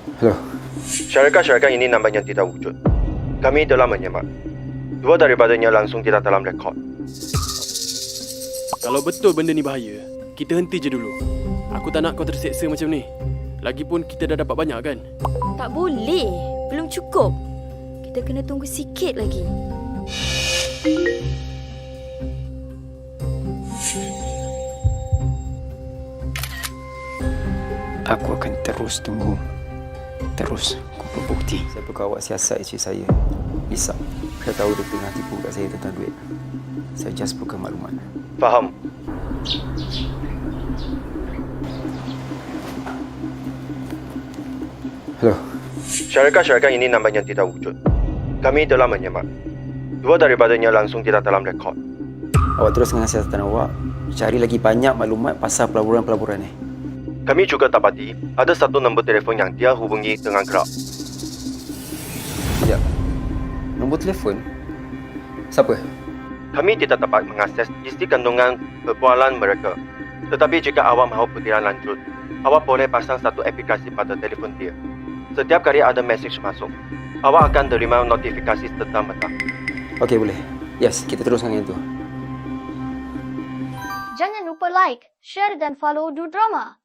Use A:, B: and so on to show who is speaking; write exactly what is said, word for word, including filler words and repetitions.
A: Hello.
B: Syarikat-syarikat ini nampaknya tidak wujud. Kami telah menyemak. Dua daripadanya langsung tidak dalam rekod.
C: Kalau betul benda ni bahaya, kita henti je dulu. Aku tak nak kau terseksa macam ni. Lagipun kita dah dapat banyak kan?
D: Tak boleh. Belum cukup. Kita kena tunggu sikit lagi.
A: Aku akan terus tunggu. Terus kumpul bukti. Siapa kawat siasat isteri saya, Lisa. Saya tahu dia tengah tipu kat saya tentang duit. Saya just buka maklumat.
B: Faham?
A: Hello.
B: Syarikat-syarikat ini nampaknya tidak wujud. Kami telah menyemak. Dua daripadanya langsung tidak dalam rekod.
A: Awak terus dengan siasatan awak. Cari lagi banyak maklumat pasal pelaburan-pelaburan ni.
B: Kami juga dapati ada satu nombor telefon yang dia hubungi dengan kerap.
A: Sekejap. Nombor telefon? Siapa?
B: Kami tidak dapat mengakses isi kandungan perbualan mereka. Tetapi jika awak mahu butiran lanjut, awak boleh pasang satu aplikasi pada telefon dia. Setiap kali ada mesej masuk, awak akan terima notifikasi serta-merta.
A: Okey, boleh. Yes, kita teruskan yang itu.
E: Jangan lupa like, share dan follow Du Drama.